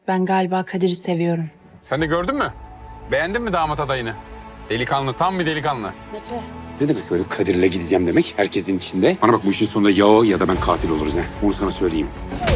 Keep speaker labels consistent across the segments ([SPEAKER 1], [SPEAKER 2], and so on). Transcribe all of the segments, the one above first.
[SPEAKER 1] Ben galiba Kadir'i seviyorum.
[SPEAKER 2] Sen de gördün mü? Beğendin mi damat adayını? Delikanlı, tam bir delikanlı.
[SPEAKER 1] Mete.
[SPEAKER 3] Ne demek böyle Kadir'le gideceğim demek herkesin içinde? Bana bak bu işin sonunda ya o ya da ben katil oluruz ha. Onu sana söyleyeyim.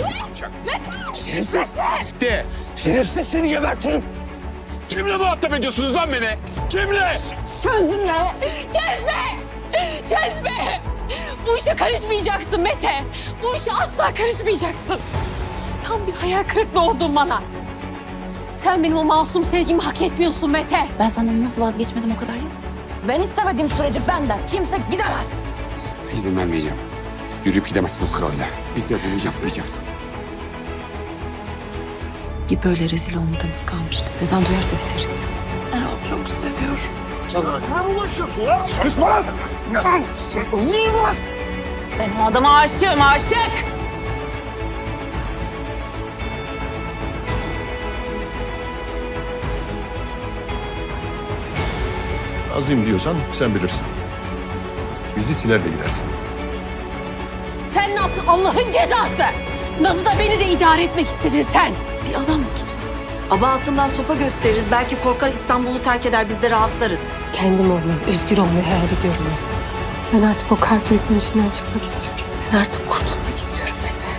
[SPEAKER 2] De.
[SPEAKER 4] Şerefsiz seni gebertirim.
[SPEAKER 2] Kimle muhatap ediyorsunuz lan beni? Kimle?
[SPEAKER 5] Çözme! Çözme! Çözme! Bu işe karışmayacaksın Mete. Bu işe asla karışmayacaksın. Tam bir hayal kırıklığı oldun bana. Sen benim o masum sevgimi hak etmiyorsun Mete.
[SPEAKER 1] Ben senden nasıl vazgeçmedim o kadar yıl?
[SPEAKER 5] Ben istemediğim sürece benden kimse gidemez.
[SPEAKER 3] İzin vermeyeceğim. Yürüyüp gidemezsin o kroyla. Bize bunu yapmayacaksın.
[SPEAKER 1] Bir böyle rezil olmadığımız kalmıştı. Deden duyarsa biteriz.
[SPEAKER 5] Ben onu çok seviyorum.
[SPEAKER 4] Sana ulaşıyorsun ya. Konuşma lan. Niye var?
[SPEAKER 5] Ben o adama aşığım, aşık.
[SPEAKER 4] Azim diyorsan sen bilirsin. Bizi siler de gidersin.
[SPEAKER 5] Sen ne yaptın Allah'ın cezası? Naz'ı da beni de idare etmek istedin sen.
[SPEAKER 1] Bir adam mı tutsan? Aba altından sopa gösteririz. Belki korkar İstanbul'u terk eder, biz de rahatlarız.
[SPEAKER 5] Kendim olmayı, özgür olmayı hayal ediyorum Mete. Ben artık o kar küresinin içinden çıkmak istiyorum. Ben artık kurtulmak istiyorum Mete.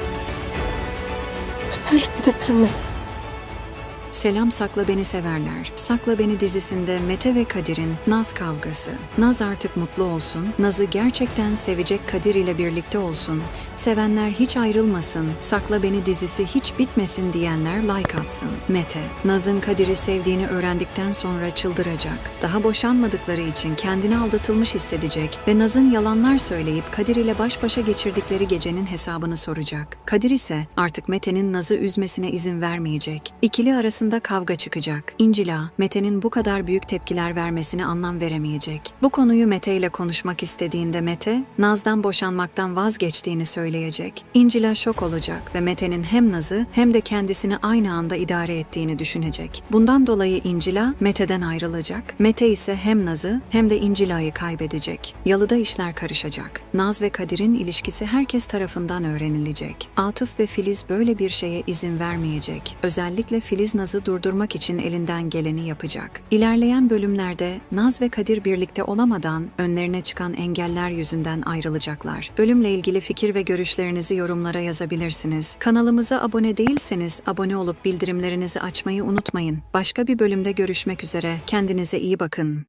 [SPEAKER 5] Özellikle de senden.
[SPEAKER 6] Selam Sakla Beni Severler. Sakla Beni dizisinde Mete ve Kadir'in Naz kavgası. Naz artık mutlu olsun, Naz'ı gerçekten sevecek Kadir ile birlikte olsun, sevenler hiç ayrılmasın, Sakla Beni dizisi hiç bitmesin diyenler like atsın. Mete, Naz'ın Kadir'i sevdiğini öğrendikten sonra çıldıracak. Daha boşanmadıkları için kendini aldatılmış hissedecek ve Naz'ın yalanlar söyleyip Kadir ile baş başa geçirdikleri gecenin hesabını soracak. Kadir ise artık Mete'nin Naz'ı üzmesine izin vermeyecek. İkili arasında kavga çıkacak. İncila, Mete'nin bu kadar büyük tepkiler vermesine anlam veremeyecek. Bu konuyu Mete ile konuşmak istediğinde Mete, Naz'dan boşanmaktan vazgeçtiğini söyleyecek. İncila şok olacak ve Mete'nin hem Naz'ı hem de kendisini aynı anda idare ettiğini düşünecek. Bundan dolayı İncila, Mete'den ayrılacak. Mete ise hem Naz'ı hem de İncila'yı kaybedecek. Yalıda işler karışacak. Naz ve Kadir'in ilişkisi herkes tarafından öğrenilecek. Atıf ve Filiz böyle bir şeye izin vermeyecek. Özellikle Filiz Naz'ı durdurmak için elinden geleni yapacak. İlerleyen bölümlerde Naz ve Kadir birlikte olamadan önlerine çıkan engeller yüzünden ayrılacaklar. Bölümle ilgili fikir ve görüşlerinizi yorumlara yazabilirsiniz. Kanalımıza abone değilseniz abone olup bildirimlerinizi açmayı unutmayın. Başka bir bölümde görüşmek üzere. Kendinize iyi bakın.